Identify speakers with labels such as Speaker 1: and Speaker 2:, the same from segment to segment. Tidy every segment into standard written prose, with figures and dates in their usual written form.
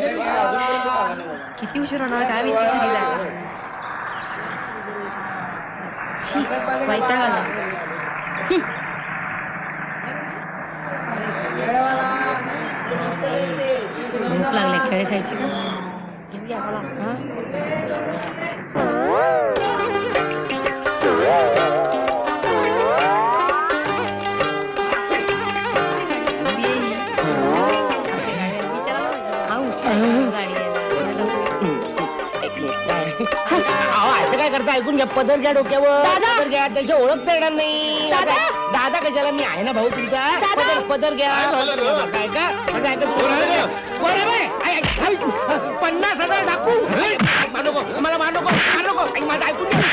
Speaker 1: किती उशीर होणार काय माहिती घरी जायला. छी, वैताग आला. भूक लागले, खेळ खायची का? घेऊया मला.
Speaker 2: काय करता ऐकून घ्या. पदर घ्या डोक्यावर. पदर घ्या. त्याची ओळख तर येणार नाही. दादा कशाला? मी आहे ना भाऊ तुमचा. पदर घ्या. काय का 50,000 टाकू. मला मार नको. माझं ऐकून घ्या.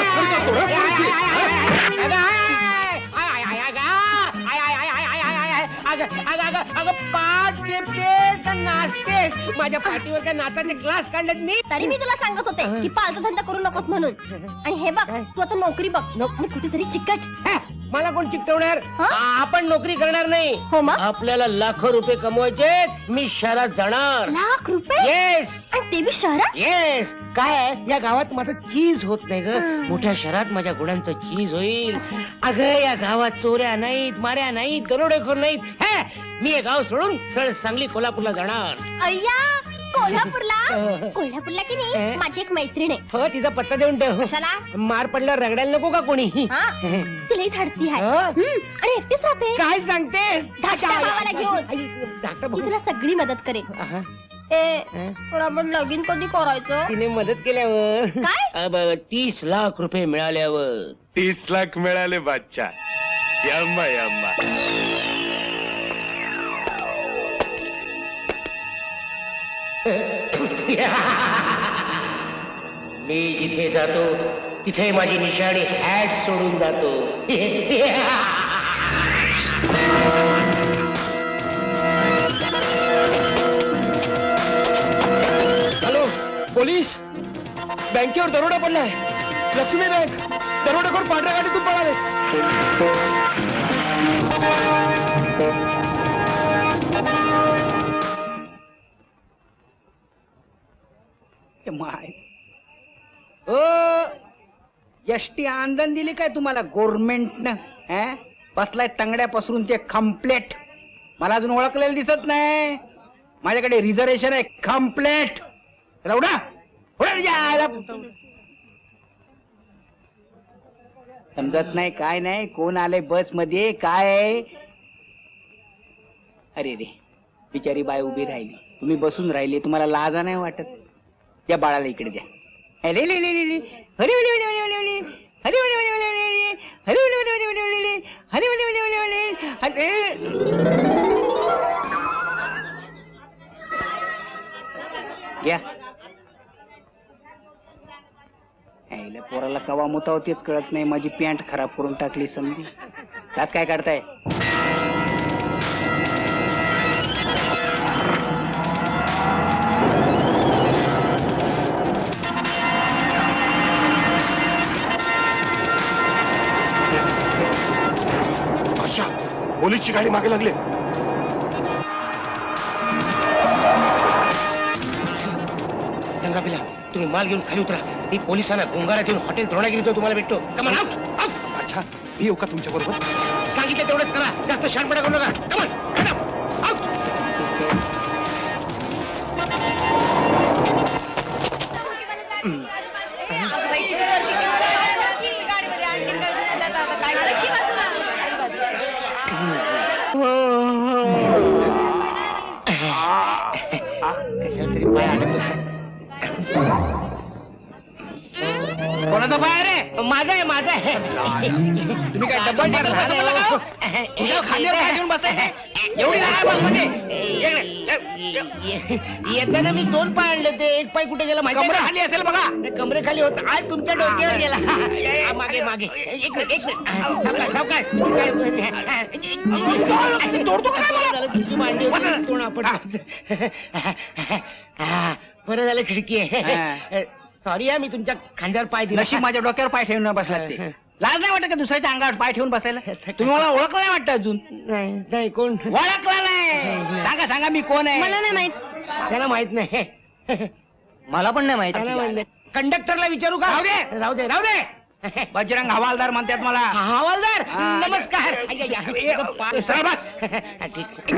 Speaker 2: अगं पाठ टेपतेस नाचतेस. माझ्या पाठीवर काय नाचाचे क्लास काढलेत मी.
Speaker 3: तरी मी तुला सांगत होते की पालचा धंदा करू नकोस म्हणून. आणि हे बघ, तू आता नोकरी बघ आणि कुठेतरी चिकट.
Speaker 2: मला कोण चिकटवणार? आपण नोकरी करणार नाही.
Speaker 3: हो मग
Speaker 2: आपल्याला लाखो रुपये कमवायचे. मी शहरात जाणार.
Speaker 3: लाख रुपये?
Speaker 2: येस.
Speaker 3: आणि ते बी शहरात?
Speaker 2: येस. काय या गावात माझं चीज होत नाही ग. मोठ्या शहरात माझ्या गुणांचं चीज होईल. अगं या गावात चोऱ्या नाहीत, माऱ्या नाहीत, दरोडेखोर नाहीत. मी हे गाव सोडून सरळ सांगली कोल्हापूरला जाणार.
Speaker 3: अय्या, कोल्हापूरला की नाही माझी एक मैत्रीण आहे.
Speaker 2: हो, तिचा पत्ता देऊन ठेव.
Speaker 3: कशाला?
Speaker 2: मार पडल्यावर रगडायला नको का कोणी?
Speaker 3: तिलाही धाडसी आहे आणि एकटीच राहते.
Speaker 2: काय सांगतेस?
Speaker 3: धाकट्या भावाला घेऊन ती तुला सगळी मदत करेल. आपण लगीन कधी करायचं?
Speaker 2: तिने मदत केल्यावर.
Speaker 3: काय?
Speaker 2: 30 लाख रुपये मिळाल्यावर.
Speaker 4: 30 लाख मिळाले बादशाह. यम्मा यम्मा.
Speaker 2: मी जिथे जातो तिथे माझी निशाणी हॅट सोडून जातो.
Speaker 5: Hello police. बँकेवर दरोडा पडलाय. लक्ष्मी बँक. दरोडेखोर पांढऱ्या गाडीतून पळाले.
Speaker 6: माय एसटी आंदन दिली काय तुम्हाला गव्हर्नमेंटनं? बसलाय तंगड्या पसरून ते कम्प्लेट. मला अजून ओळखलेलं दिसत नाही. माझ्याकडे रिझर्वेशन आहे कम्प्लेट. रवडा समजत नाही काय नाही. कोण आले बस मध्ये काय? अरे रे, बिचारी बाई उभी राहिली. तुम्ही बसून राहिले. तुम्हाला लाजा नाही वाटत? त्या बाळाला इकडे द्या. घ्या. पोराला कवा मुताव तेच कळत नाही. माझी पॅन्ट खराब करून टाकली समजी. त्यात काय काढताय?
Speaker 4: पोलीसची गाडी मागे लागली.
Speaker 2: रंगाबिला, तुम्ही माल घेऊन खाली उतरा. मी पोलिसांना गोंगारा देऊन हॉटेल द्रोणागिरीतो तुम्हाला भेटतो. कमान आउट.
Speaker 4: अच्छा, मी येऊ का तुमच्या बरोबर?
Speaker 2: सांगितलं तेवढंच करा. जास्त शहाणपणा करू नका. कमान आउट.
Speaker 6: कोणाचा पाय रे?
Speaker 2: माझा आहे, माझा आहे.
Speaker 6: तुम्ही काय डब्बल खांद्यावर घेऊन बसाय? एवढी
Speaker 2: येताना मी 2 पाय आणले होते. एक पाय कुठे गेला माहिती?
Speaker 6: कमरे खाली असेल बघा.
Speaker 2: कमरे खाली होत. आज तुमच्या डोक्यावर गेला. मागे मागे. एक मिनिट. सावकाश. बरं झालं खिडकी आहे. सॉरी मी तुमच्या खांद्यावर पाय दिला.
Speaker 6: नशीब माझ्या डोक्यावर पाय ठेवून बसला ते. लाज नाही वाटत का दुसऱ्याच्या अंगावर पाय ठेवून बसायला? तुम्ही मला ओळखलं नाही वाटत अजून?
Speaker 2: नाही. कोण?
Speaker 6: ओळखला नाही? सांगा मी कोण आहे?
Speaker 3: मला नाही माहित.
Speaker 2: त्याला माहित नाही
Speaker 6: मला पण नाही
Speaker 2: त्याला माहित
Speaker 6: माहिती
Speaker 2: नाही. कंडक्टरला विचारू का?
Speaker 6: राहू दे.
Speaker 2: राहू दे राहू दे.
Speaker 6: बजरंग हवालदार म्हणतात मला.
Speaker 2: हवालदार
Speaker 6: हा.
Speaker 2: नमस्कार.
Speaker 6: सरळ बस.
Speaker 2: ठीक.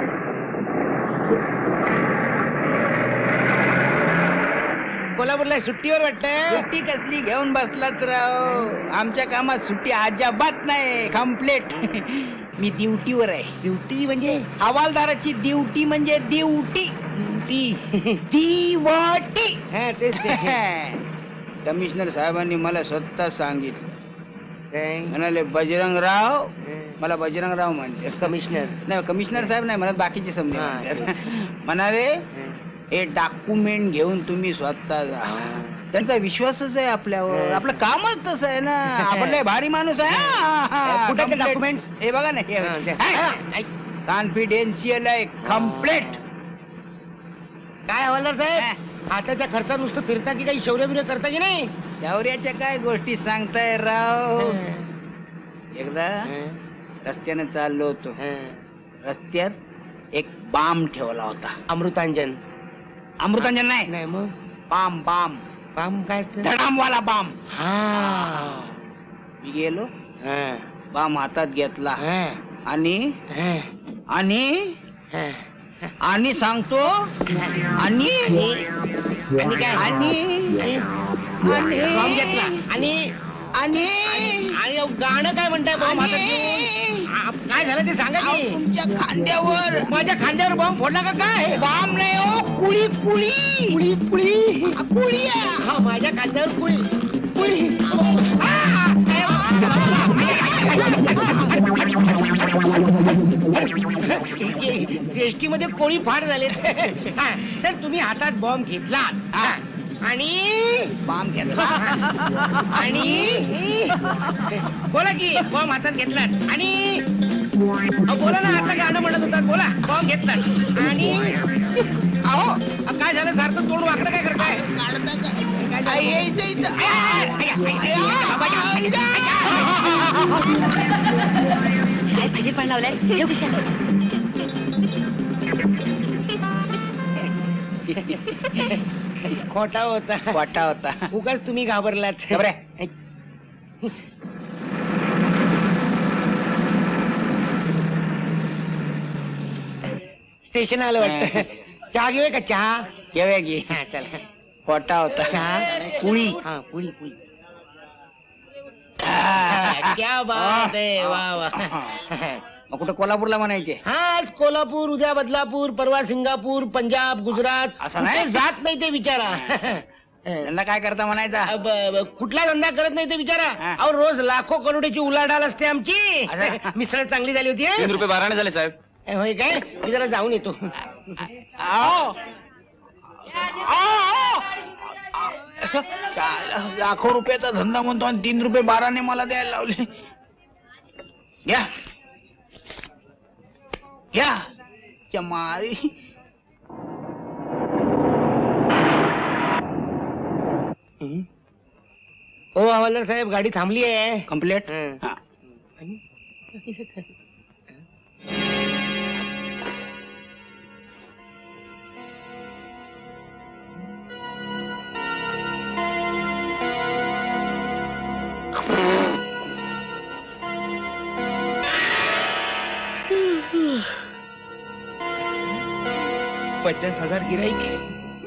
Speaker 2: कोल्हापूरला सुट्टीवर वाटतं.
Speaker 6: सुट्टी कसली घेऊन बसलात राव. आमच्या कामात सुट्टी अजिबात नाही. कम्प्लेट. मी ड्युटीवर आहे.
Speaker 2: ड्युटी म्हणजे
Speaker 6: हवालदाराची ड्युटी म्हणजे ड्युटी.
Speaker 2: ड्युटी
Speaker 6: दिवटी.
Speaker 2: तेच ते.
Speaker 6: कमिशनर साहेबांनी मला स्वतः सांगितलं.
Speaker 2: काय?
Speaker 6: म्हणाले बजरंगराव, मला बजरंगराव म्हणते.
Speaker 2: कमिशनर
Speaker 6: नाही कमिशनर साहेब नाही म्हणत, बाकीचे समजे
Speaker 2: हा.
Speaker 6: म्हणतात. म्हणाले हे डॉक्युमेंट घेऊन तुम्ही स्वतः जा. त्यांचा विश्वासच आहे आपल्यावर. आपलं कामच तसं आहे ना. आपण लय भारी माणूस आहे.
Speaker 2: कुठे डॉक्युमेंट?
Speaker 6: हे बघा ना, कॉन्फिडेन्शियल आहे. कम्प्लेट.
Speaker 2: काय हवालदार साहेब, हाताच्या खर्चा नुसतं फिरता की काही शौर्य बिर्य करता की नाही?
Speaker 6: शौर्याच्या काय गोष्टी सांगताय राव. एकदा रस्त्याने चाललो होतो. रस्त्यात एक बाम ठेवला होता.
Speaker 2: अमृतांजन?
Speaker 6: अमृतांजन नाही,
Speaker 2: नाही मग
Speaker 6: बाम बाम.
Speaker 2: बाम काय असतं?
Speaker 6: धडामवाला बाम.
Speaker 2: हा.
Speaker 6: मी गेलो,
Speaker 2: हा.
Speaker 6: बाम हातात घेतला
Speaker 2: हा.
Speaker 6: आणि
Speaker 2: हा.
Speaker 6: आणि
Speaker 2: हा.
Speaker 6: आणि सांगतो आणि
Speaker 2: आणि काय?
Speaker 6: आणि
Speaker 2: बॉम्ब घेतला आणि
Speaker 6: आणि
Speaker 2: आणि गाणं काय म्हणताय बॉम्ब हातात घेऊन? काय झालं ते सांगा की.
Speaker 6: तुमच्या खांद्यावर.
Speaker 2: माझ्या खांद्यावर बॉम्ब फोडला का काय?
Speaker 6: बाम नाही हो, कुळी कुळी
Speaker 2: कुळी कुळी
Speaker 6: कुळी आहे.
Speaker 2: हा, माझ्या खांद्यावर कुळी कुळी. एसटी मध्ये कोळी फार झाले. तर तुम्ही हातात बॉम्ब घेतला आणि
Speaker 6: बाम घेतला
Speaker 2: आणि बोला की बॉम्ब हातात घेतलात आणि बोला ना. आता गाणं म्हणत होता. बोला. बॉम्ब घेतलात आणि अहो काय झालं? सारखं तोंड वाकडं काय करताय?
Speaker 1: काय भाजी पण लावलाय ठेव खिशात.
Speaker 2: खोटा होता.
Speaker 6: वाटा होता.
Speaker 2: उगाच तुम्ही घाबरलात.
Speaker 6: घाबरे.
Speaker 2: स्टेशन आलं वाटतं. चहा घेऊया का? चहा
Speaker 6: घेऊया की.
Speaker 2: हा, चला.
Speaker 6: वाटा होता.
Speaker 2: चहा
Speaker 6: कुळी.
Speaker 2: हा, पुळी पुळी. क्या बात आहे. वा वा.
Speaker 6: मग कुठं कोल्हापूरला म्हणायचे?
Speaker 2: हा, आज कोल्हापूर, उद्या बदलापूर, परवा सिंगापूर, पंजाब, गुजरात.
Speaker 6: असं नाही?
Speaker 2: कुठे जात नाही ते विचारा.
Speaker 6: त्यांना काय करता म्हणायचा?
Speaker 2: कुठला धंदा करत नाही ते विचारा.
Speaker 6: हा.
Speaker 2: अहो रोज लाखो करोडीची उलाढाल असते आमची.
Speaker 6: असं?
Speaker 2: मिसळ चांगली झाली होती. हं?
Speaker 5: ₹3 12 झाले साहेब.
Speaker 2: होय काय? मी जरा जाऊन येतो.
Speaker 6: आओ. आओ. लाखो रुपयाचा धंदा म्हणतो आणि ₹3 12 मला द्यायला लावले. घ्या घ्या. चमारी.
Speaker 2: हो हवालदार साहेब, गाडी थांबली आहे.
Speaker 6: कम्प्लेट.
Speaker 2: हं. $50,000 गिराईक.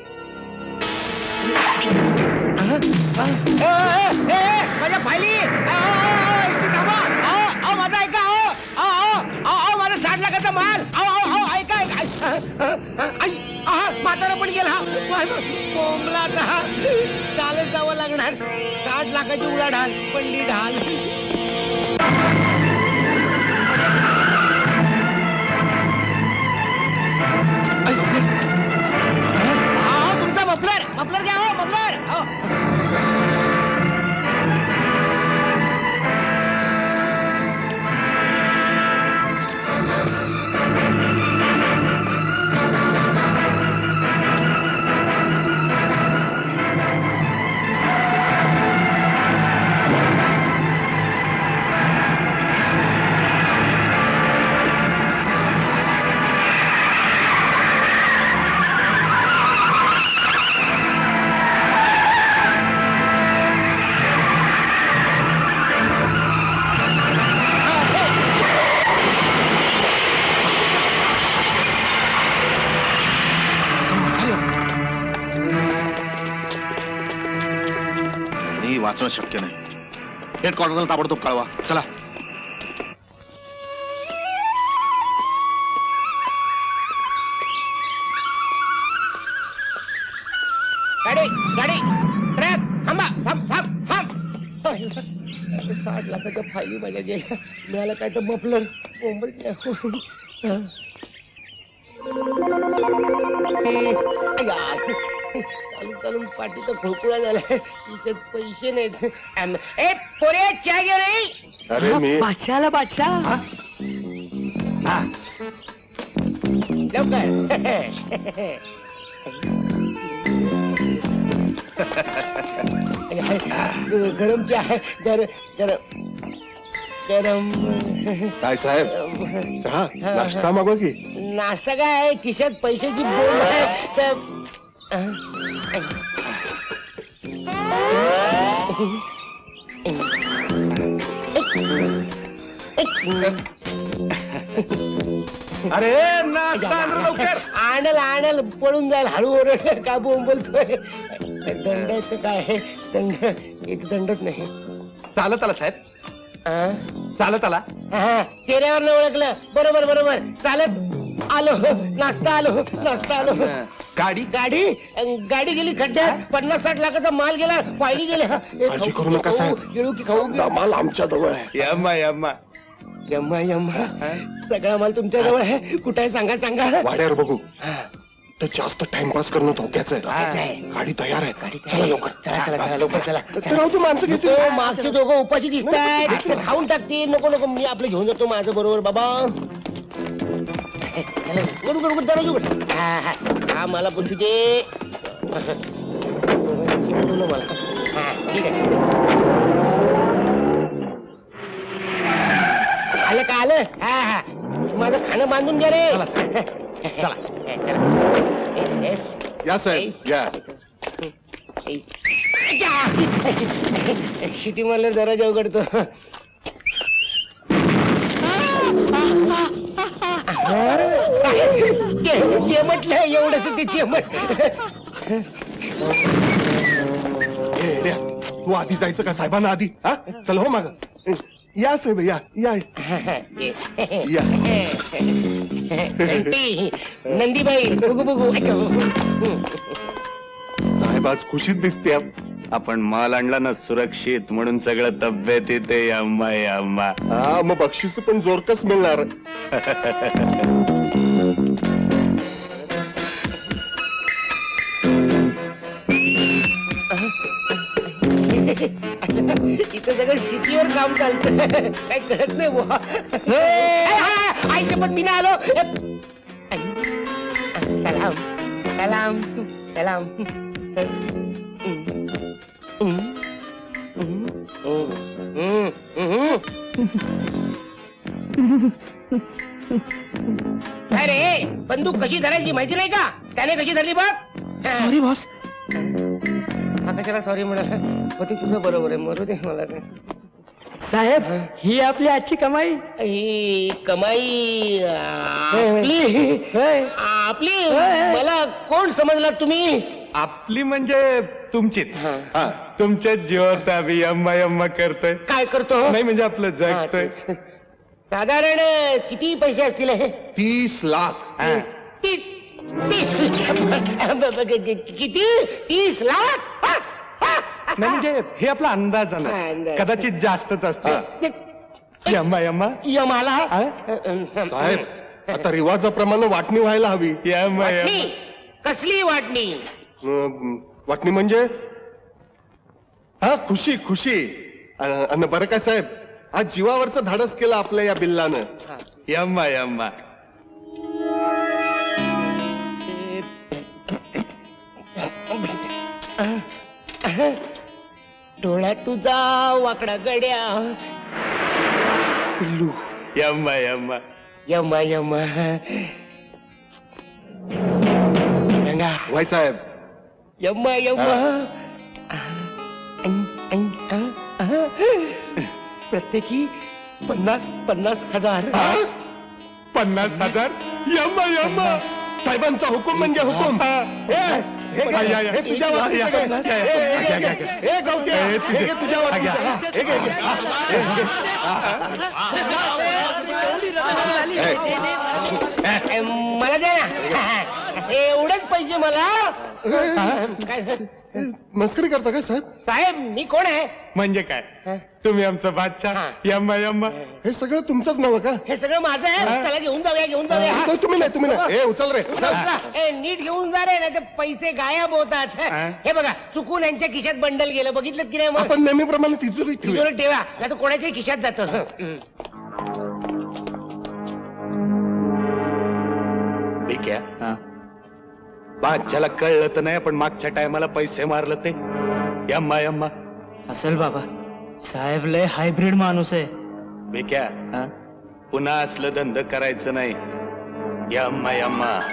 Speaker 2: माझ्या फायली. माझा ऐका. माझा 60 लाखाचा माल. ऐका म्हातारा पण गेला. कोंबला चालत जावं लागणार. 60 लाखाची उलाढाल पडली ढाल. तुमचा मफलर मफलर घ्या. हो मफलर.
Speaker 4: वाचणं शक्य नाही. हेडक्वार्टरला ताबडतोब कळवा. चला.
Speaker 2: गाडी गाडी ट्रक थांबा. थांब थांब थांब. 60 लाखाच्या फायली माझ्या गेल्या. मिळालं काय तर मफलर चालून चालून पाठीचा खोकुळा झालाय. तिच्यात पैसे नाहीत. ए पोरे चहा घे रे.
Speaker 4: अरे मी
Speaker 1: बादशाला बादशाह
Speaker 2: लवकर गरम चहा गरम गरम.
Speaker 4: काय साहेब, चहा नाश्ता मागवा की.
Speaker 2: नाश्ता काय, खिशात पैशाची बोल आहे तर
Speaker 4: अरे नाश्ता आण लवकर.
Speaker 2: आणल आणल पळून जाईल. हळू ओरड का बोलतोय. दंडाचं काय आहे, दंड एक दंडच नाही.
Speaker 4: चालत आला साहेब,
Speaker 2: आ?
Speaker 4: चालत आला.
Speaker 2: चेहऱ्यावर ओळखलं. बरोबर बरोबर चालत आलो. नाश्ता आलो.
Speaker 4: गाडी
Speaker 2: गाडी गाडी गेली खड्ड्यात. 50-60 लाखाचा माल गेला. फायली गेल्या.
Speaker 4: काळजी करू नका साहेब.
Speaker 2: येऊ की खाऊ
Speaker 4: समजा माल आमच्या जवळ आहे.
Speaker 2: यम्मा यम्मा सगळा माल तुमच्या जवळ आहे. कुठे आहे सांगा सांगा.
Speaker 4: वाड्यावर बघू.
Speaker 2: हा,
Speaker 4: तर जास्त टाइमपास करणं धोक्याचं
Speaker 2: धोक्याचं आहे.
Speaker 4: गाडी तयार आहे.
Speaker 2: गाडी
Speaker 4: चला लवकर.
Speaker 2: चला लवकर चला.
Speaker 4: तर राहू दे, माणसं घेतो.
Speaker 2: नको, मागचे दोघं उपाशी दिसतायत. खाऊन टाकतील. नको मी आपलं घेऊन जातो माझं बरोबर बाबा. दरवाजा उघड. हा मला पुसू दे. मला हा ठीक आहे. आलं का आलं. हा माझं खाणं बांधून घ्या रे. चला.
Speaker 4: या साहेब या.
Speaker 2: शिटी मला दरवाजा उघडतो. म्हटलं एवढंच ते चेमट.
Speaker 4: तू आधी जायचं का साहेबांना आधी. हा चल हो माग. या साहेब या या या.
Speaker 2: नंदीबाई बघू
Speaker 4: साहेब आज खुशीत दिसते.
Speaker 7: आपण माल आणला ना सुरक्षित, म्हणून सगळं तब्येत येते. अम्मा अम्मा.
Speaker 4: हा मग बक्षीस पण जोरकस मिळणार.
Speaker 2: इथं सगळं शेतीवर काम चालतं. काय कळत नाही बुवा. आईच्या पण मी आलो. सलाम सलाम सलाम. अरे बंदूक कशी धरायची माहिती नाही का. त्याने कशी धरली बघ.
Speaker 1: Sorry boss.
Speaker 2: कशाला सॉरी म्हणाला. होती तुझं बरोबर आहे. मरू दे मला काय.
Speaker 1: साहेब ही आपली आजची कमाई.
Speaker 2: ही कमाई आपली मला कोण समजला तुम्ही.
Speaker 7: आपली म्हणजे तुमचीच. हा तुमच्याच जीवावर आम्ही अम्मा अम्मा करतोय.
Speaker 2: काय करतो.
Speaker 7: नाही म्हणजे आपलं
Speaker 2: हा,
Speaker 7: जगतोय.
Speaker 2: तेच. साधारण किती पैसे असतील हे.
Speaker 4: 30 लाख.
Speaker 7: हा.
Speaker 2: किती 30 लाख.
Speaker 7: नाही म्हणजे हे आपला अंदाज
Speaker 2: अंदाज.
Speaker 7: आला. कदाचित जास्तच असतं. यम्मा यम्मा.
Speaker 2: यमाला
Speaker 7: हा?
Speaker 4: साहेब आता रिवाजाप्रमाणे वाटणी व्हायला हवी.
Speaker 7: यम्मा
Speaker 2: वाटणी.
Speaker 7: यम्मा.
Speaker 2: कसली वाटणी.
Speaker 4: वाटणी म्हणजे हा खुशी खुशी. अन बरं काय साहेब, आज जीवावरचं धाडस केलं आपल्या या बिल्लानं.
Speaker 7: यम्मा यम्मा.
Speaker 2: डोळा तुझा वाकडा गड्या. पिल्लू.
Speaker 7: यम्मा यम्मा.
Speaker 2: यम्मा यम्मा. रंगा.
Speaker 4: वाय साहेब.
Speaker 2: यम्मा यम्मा. प्रत्येकी 50,000.
Speaker 4: 50,000. यम्मा यम्मा. साहेबांचा हुकूम म्हणजे हुकूम. हे घे,
Speaker 7: या, या.
Speaker 4: हे तुझ्या
Speaker 7: या,
Speaker 4: वाटणीचं
Speaker 7: या.
Speaker 4: घे.
Speaker 7: या, या.
Speaker 4: हे घे,
Speaker 7: घ्या,
Speaker 4: हे
Speaker 7: घ्या,
Speaker 4: घे. हे गवत्या,
Speaker 7: हे तुझे.
Speaker 4: हे घे तुझ्या
Speaker 7: घ्या.
Speaker 4: वाटणीचं. हे घे, हे घे.
Speaker 2: ए, मला द्या ना एवढेच पाहिजे मला काय
Speaker 4: मस्करी करता काय साहेब?
Speaker 2: साहेब मी कोण आहे
Speaker 7: म्हणजे काय तुम्ही आमचं बादशाह यम्मा यम्मा.
Speaker 4: हे सगळं तुमचंच नाव का?
Speaker 2: हे सगळं माझं आहे चला घेऊन जाऊया
Speaker 4: तो तुम्ही नाही. ए उचल रे उचल.
Speaker 2: चला, ए, नीट घेऊन जा रे नाही तर पैसे गायब होतात हे बघा चुकून यांच्या खिशात बंडल गेलं बघितलं की नाही मग
Speaker 4: आपण नेहमीप्रमाणे तिजोरी ठेवूया.
Speaker 2: तिजोरीत ठेवा नाही तर कोणाच्याही खिशात जातं
Speaker 7: ठीक आहे. बादशाला कळलं तर नाही पण मागच्या टायमाला पैसे मारलं ते यम्मा यम्मा.
Speaker 6: असेल बाबा साहेब लय हायब्रिड माणूस आहे.
Speaker 7: बेक्या पुन्हा असलं धंद करायचं नाही यम्मा यम्मा.